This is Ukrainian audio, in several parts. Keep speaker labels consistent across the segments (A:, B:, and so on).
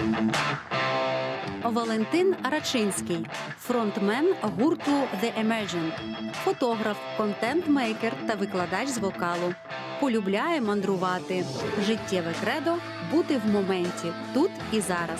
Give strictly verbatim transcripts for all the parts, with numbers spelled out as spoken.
A: Валентин Рачинський, фронтмен гурту The Emergent, фотограф, контент-мейкер та викладач з вокалу. Полюбляє мандрувати. Життєве кредо – бути в моменті, тут і зараз.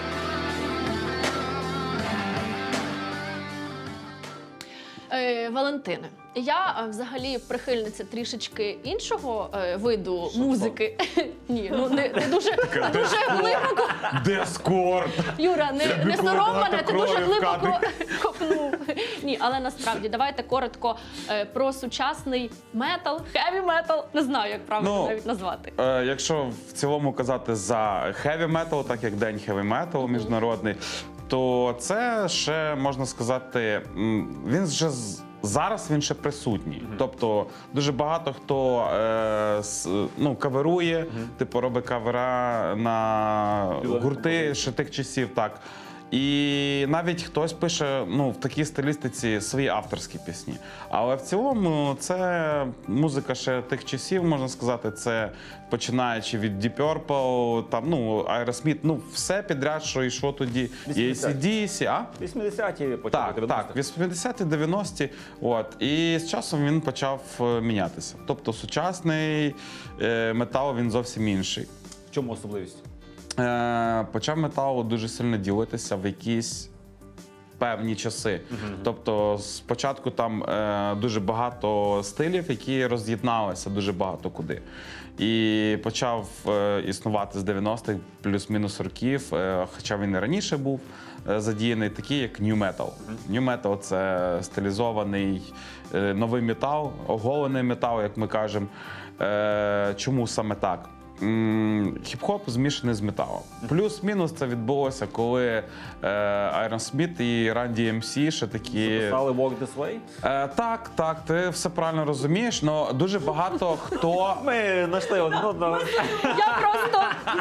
B: Е, Валентине, я е, взагалі прихильниця трішечки іншого е, виду музики. Ні, ну не, не дуже, не дуже глибоко.
C: Дискорд!
B: Юра, не, не сором мене, ти дуже
C: крові в
B: глибоко
C: кадрі.
B: копнув. Ні, але насправді, давайте коротко е, про сучасний метал, хеві метал, не знаю, як правильно
C: Ну,
B: навіть назвати.
C: Е, якщо в цілому казати за heavy metal, так як День heavy metal міжнародний, то це ще, можна сказати, м, він вже з- зараз він ще присутній. Тобто дуже багато хто е, с- ну, каверує, типу робить кавера на гурти ще тих часів, так. І навіть хтось пише ну, в такій стилістиці свої авторські пісні. Але в цілому це музика ще тих часів, можна сказати, це починаючи від Deep Purple, там, ну, Aerosmith, ну, все підряд, що йшло тоді. І ей сі ді сі, а?
D: вісімдесяті, потім
C: Так,
D: дев'яності.
C: так, вісімдесяті, дев'яності. От. І з часом він почав е, мінятися. Тобто сучасний е, метал, він зовсім інший.
D: В чому особливість?
C: Е, почав метал дуже сильно ділитися в якісь певні часи. Тобто спочатку там е, дуже багато стилів, які роз'єдналися дуже багато куди. І почав е, існувати з дев'яностих плюс-мінус років, е, хоча він і раніше був е, задіяний, такий як New Metal. New Metal – це стилізований е, новий метал, оголений метал, як ми кажемо. Е, чому саме так? М, Хіп-хоп змішаний з металом. Плюс-мінус це відбулося, коли е, Aerosmith і Run ді ем сі ще такі...
D: Писали Walk This Way?
C: Е, так, так, ти все правильно розумієш, але дуже багато хто...
D: Ми знайшли один одного.
B: Я просто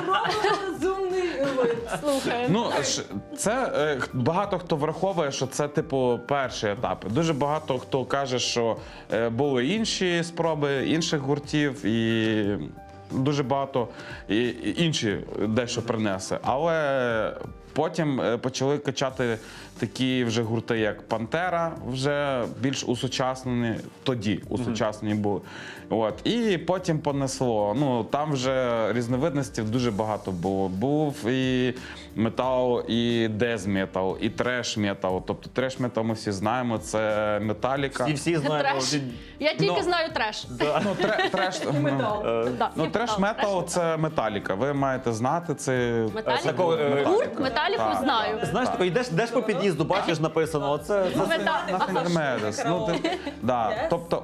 B: слухаю.
C: Ну, ж- це е, х- багато хто враховує, що це, типу, перші етапи. Дуже багато хто каже, що е, були інші спроби інших гуртів і дуже багато і, і інші дещо принесе. Але потім е, почали качати такі вже гурти, як Пантера, вже більш усучаснені, тоді усучаснені були. От. І потім понесло. Ну, там вже різновидностей дуже багато було. Був і метал, і дез-метал, і треш-метал. Тобто треш-метал ми всі знаємо, це Металіка.
D: І всі знаємо.
B: Треш. Я тільки
C: Ну,
B: знаю треш.
C: Ну, тре- треш,
B: Да,
C: ну,
B: хіп-хоп,
C: треш-метал
B: треш.
C: це Металіка. Ви маєте знати це.
B: Металіку?
D: Такого, е,
B: Гурт Металіку
C: Так,
B: знаю.
D: Знаєш, тако, йдеш, йдеш по під'їзду, бачиш написано, оце... це-
B: Мета-
C: Медес. Ну, ти, да, тобто,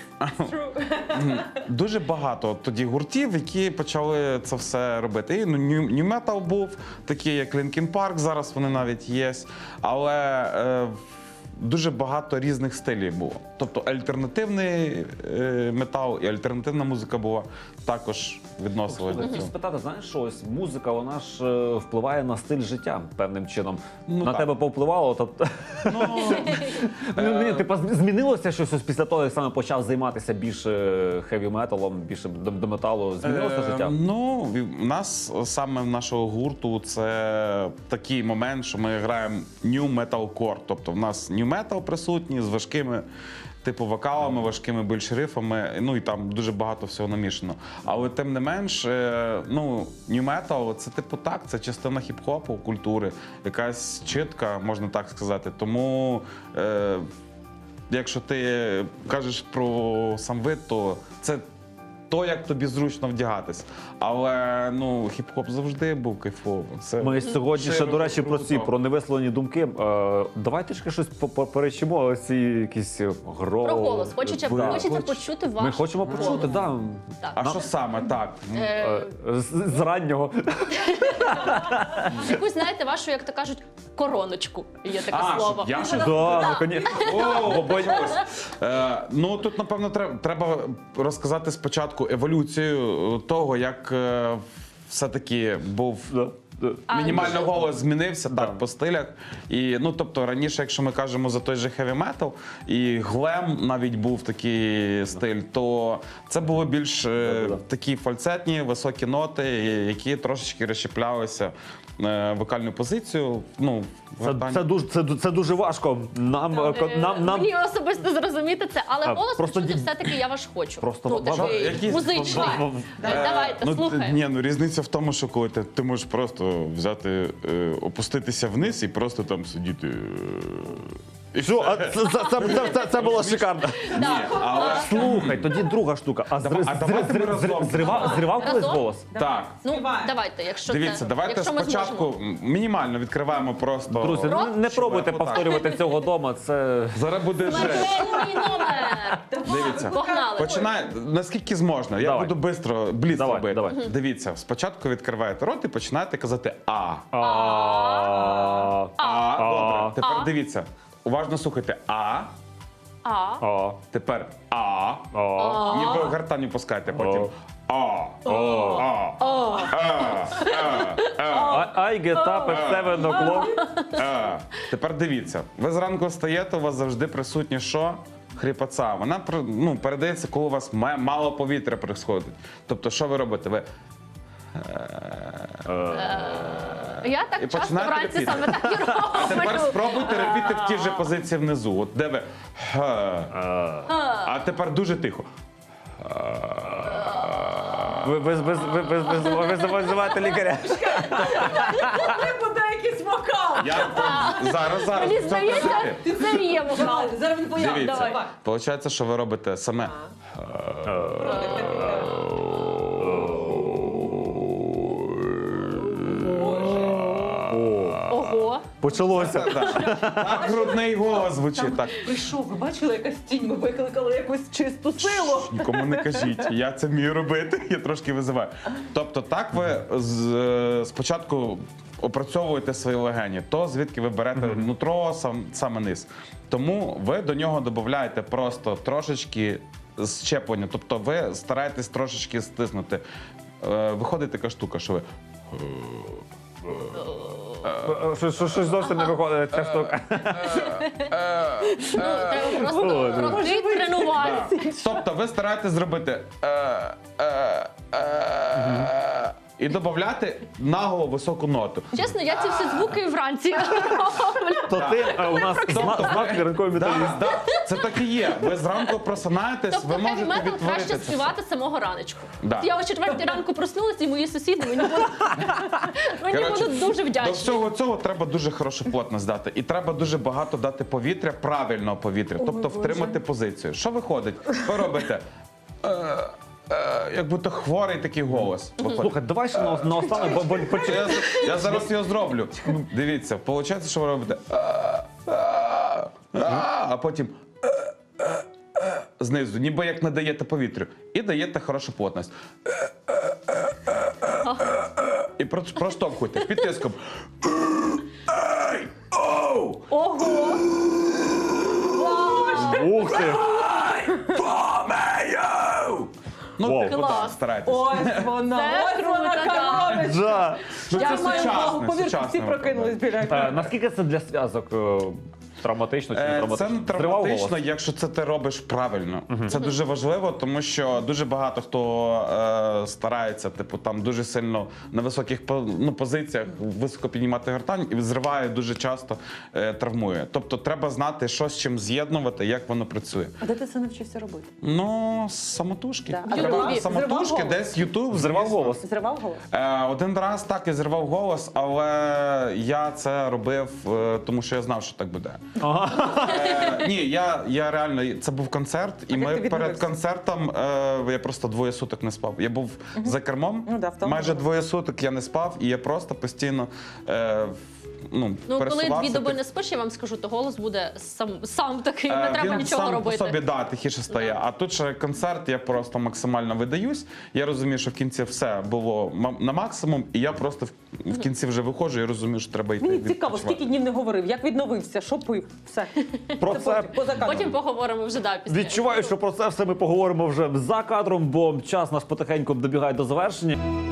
C: дуже багато тоді гуртів, які почали це все робити. І ну, New, New Metal був, такі як Linkin Park, зараз вони навіть є. Але е, дуже багато різних стилів було. Тобто альтернативний е, метал і альтернативна музика була також відносилась до
D: Хотів
C: цього.
D: спитати, знаєш, що ось музика, вона ж е, впливає на стиль життя певним чином.
C: Ну,
D: на
C: так.
D: тебе повпливало, то...
C: Ну,
D: Ну, ні, типа, зм- змінилося щось ось після того, як саме почав займатися більше хеві-металом, більше до, до металу? Змінилося
C: Е,
D: життя?
C: Ну, в нас саме в нашого гурту це такий момент, що ми граємо new metalcore. Тобто в нас new metal присутній з важкими типу вокалами, важкими більш рифами, ну і там дуже багато всього намішано. Але тим не менш, е, ну, new metal – це типу так, це частина хіп-хопу, культури, якась чітка, можна так сказати. Тому е, якщо ти кажеш про сам вид, то це то, як тобі зручно вдягатись. Але ну, хіп-хоп завжди був кайфовим. Це
D: Ми сьогодні ще,
C: широко,
D: до речі, про ці,
C: круто.
D: про невисловлені думки. Е, давай трішки щось по- по- перечимо, ось ці якісь гро...
B: Про голос. Хочеться,
D: Да.
B: хочеться почути ваш
D: Ми хочемо
B: голос.
D: почути, да.
B: Так.
C: А що саме? Так.
B: Е,
D: Е, з, з раннього.
B: Якусь, знаєте, вашу, як то кажуть, короночку. Є таке
C: А,
B: слово.
C: щоб я щось-
D: Да, наконець.
C: О, боюсь. Е, ну тут напевно треба, треба розказати спочатку еволюцію того, як е, все-таки був
D: Да.
B: А,
C: Мінімально
B: дуже-
C: голос змінився
D: Да.
C: так по стилях. І ну тобто раніше, якщо ми кажемо за той же хеві метал, і глем навіть був такий стиль, то це було більш е,
D: Да-да-да.
C: такі фальцетні, високі ноти, які трошечки розщеплялися е, вокальну позицію. Ну, в
D: Це,
C: гартані.
D: це, дуже, це, ду- це дуже важко. Нам, е, ко-
B: Е,
D: нам, нам
B: Мені особисто зрозуміти це, але
D: А,
B: голос
D: просто
B: почути
D: ді-
B: все-таки я ваш хочу.
D: Просто
B: ну,
D: ва-
B: такий
C: якісь-
B: музичний.
D: в- в-
B: Е, Давайте,
C: Ну,
B: слухай.
C: ні, ну різниця в тому, що коли ти, ти можеш просто взяти, е, опуститися вниз і просто там сидіти. е, і
D: Що,
C: все.
D: а це, це, це, це, це, це було шикарно.
C: Ні, але
D: Слухай, тоді друга штука. А,
C: Давай-
D: зри-
C: а давайте
D: зри-
C: ми
D: зри-
C: разом.
D: зривав, зривав колись
B: Разом?
D: голос?
C: так.
B: Ну,
E: Співаємо.
B: давайте, якщо
C: Дивіться,
B: це,
C: давайте
B: якщо ми
C: спочатку
B: зможемо.
C: мінімально відкриваємо просто.
D: Друзі,
B: Про-
D: не, не пробуйте
C: Отак.
D: повторювати цього дома. Це
C: Зараз буде жесть.
B: Смертельний номер!
C: Дивіться.
B: Погнали.
C: Починай наскільки зможна. Я
D: Давай.
C: буду швидко бліц
D: Давай,
C: робити.
D: давай.
C: Дивіться, спочатку відкриваєте рот і починаєте казати А.
D: А.
C: А. Добре. Тепер
B: А.
C: дивіться. Уважно слухайте А.
B: А.
D: А.
C: Тепер А.
D: А.
C: Ніби гартані пускайте потім. А. А. А. А. А.
D: I get up at seven o'clock.
C: А. Тепер дивіться. Ви зранку встаєте, у вас завжди присутнє що? Хріпоца. Вона при- ну, передається, коли у вас ма- мало повітря приходить. Тобто, що ви робите? Ви
B: Я так
C: І
B: часто
C: починаєте
B: вранці
C: репіти.
B: саме так і
C: А тепер
B: роблю.
C: спробуйте репіти в тій же позиції внизу. От де ви. Га. А тепер дуже тихо.
D: Ви, ви, ви, ви, ви, ви, ви, ви визиваєте лікаря.
E: Не буде якийсь вокал.
C: Я зараз зараз.
B: Мені
C: все
B: здається,
C: присутні.
B: це є вокал.
E: Зараз він появиться.
C: Дивіться,
E: Давай.
C: виходить, що ви робите саме.
B: Ого.
D: Почалося.
C: Так грудний голос звучить. Так.
E: Прийшов, ви бачили якась тінь, ми викликали якусь чисту силу.
C: Нікому не кажіть, я це вмію робити, я трошки визиваю. Тобто, так ви з, е, спочатку опрацьовуєте свої легені, то звідки ви берете нутро, сам, саме низ. Тому ви до нього додаєте просто трошечки щеплення, тобто ви стараєтесь трошечки стиснути. Е, Виходить така штука, що ви.
D: Щось, щось, щось зовсім не виходить ця штука.
B: Ну, треба просто крутий тренування.
C: Тобто ви стараєтесь зробити е, е, е, і додати наголо високу ноту.
B: Чесно, я ці всі звуки вранці роблю.
D: То ти е, у нас зна- знак ранковий металіст.
C: Да, да, це так і є. Ви зранку просинаєтесь,
B: Тобто
C: ви
B: хеві
C: можете
B: метал
C: відтворити
B: краще
C: це все.
B: співати з самого раночку.
C: Да.
B: От я о четвертій ранку проснулася, і мої сусіди мені будуть, мені
C: Коротше,
B: будуть дуже
C: До
B: вдячні.
C: всього цього треба дуже хорошу плотність дати. І треба дуже багато дати повітря, правильного повітря, тобто втримати позицію. Що виходить? Ви робите. Е, е, як будто хворий такий голос. виходить.
D: Слухай, давай ще на, на останок, бо, бо почекай.
C: Я, я зараз його зроблю. Дивіться, виходить, що ви робите. «А, а, а», А потім «Е, е, е», знизу, ніби як не даєте повітрю. І даєте хорошу плотність. «Е, е, е, е, е». І про- проштовхуйте під тиском. Ей, оу,
B: Ого!
D: Ух ти!
C: помею! Ну,
D: Вау.
C: типу,
B: Клас.
C: так, старайтесь.
E: Ось вона,
B: Це
E: ось вона
B: круто, да.
E: коробочка.
D: Да.
C: Ну,
E: Я
C: це
E: маю
C: сучасне,
E: увагу, повірте,
C: сучасне
E: всі прокинулись біля
D: Е,
E: екрану.
D: наскільки це для зв'язок е, травматично чи не
C: Е,
D: травматично?
C: Це не
D: Зривав
C: травматично,
D: голос?
C: якщо це ти робиш правильно. Це дуже важливо, тому що дуже багато хто е, старається, типу, там дуже сильно на високих по- ну, позиціях високо піднімати гортань і зриває дуже часто е, травмує. Тобто треба знати, що з чим з'єднувати, як воно працює.
E: А де ти це навчився робити?
C: Ну, самотужки.
E: Да. А
C: Треба
B: Ютубі?
C: самотужки,
E: Зривав
C: десь Ютуб.
D: Зривав
C: звісно.
D: голос?
E: Зривав голос?
C: Е, Один раз так і зірвав голос, але я це робив, е, тому що я знав, що так буде. Е, ні, я, я реально, це був концерт, і
E: А як
C: ми
E: ти
C: перед
E: відновився?
C: концертом е, я просто двоє суток не спав. Я був за кермом,
E: Ну да, втомлювався.
C: майже двоє суток я не спав, і я просто постійно е, ну,
B: Ну, коли
C: пересувався.
B: дві доби
C: так.
B: не спиш, я вам скажу, то голос буде сам, сам такий,
C: Е,
B: не треба
C: він
B: нічого
C: сам
B: робити.
C: по собі да, тихіше стає. А тут ще концерт, я просто максимально видаюсь. Я розумію, що в кінці все було ма- на максимум, і я просто в, в кінці вже виходжу і розумію, що треба йти.
E: Мені цікаво,
C: відпочивати.
E: скільки днів не говорив, як відновився, що пив, все.
D: Про це
E: потім, поза кадром.
B: Потім поговоримо вже да, після.
D: відчуваю, що про це все ми поговоримо вже за кадром, бо час наш потихеньку добігає до завершення.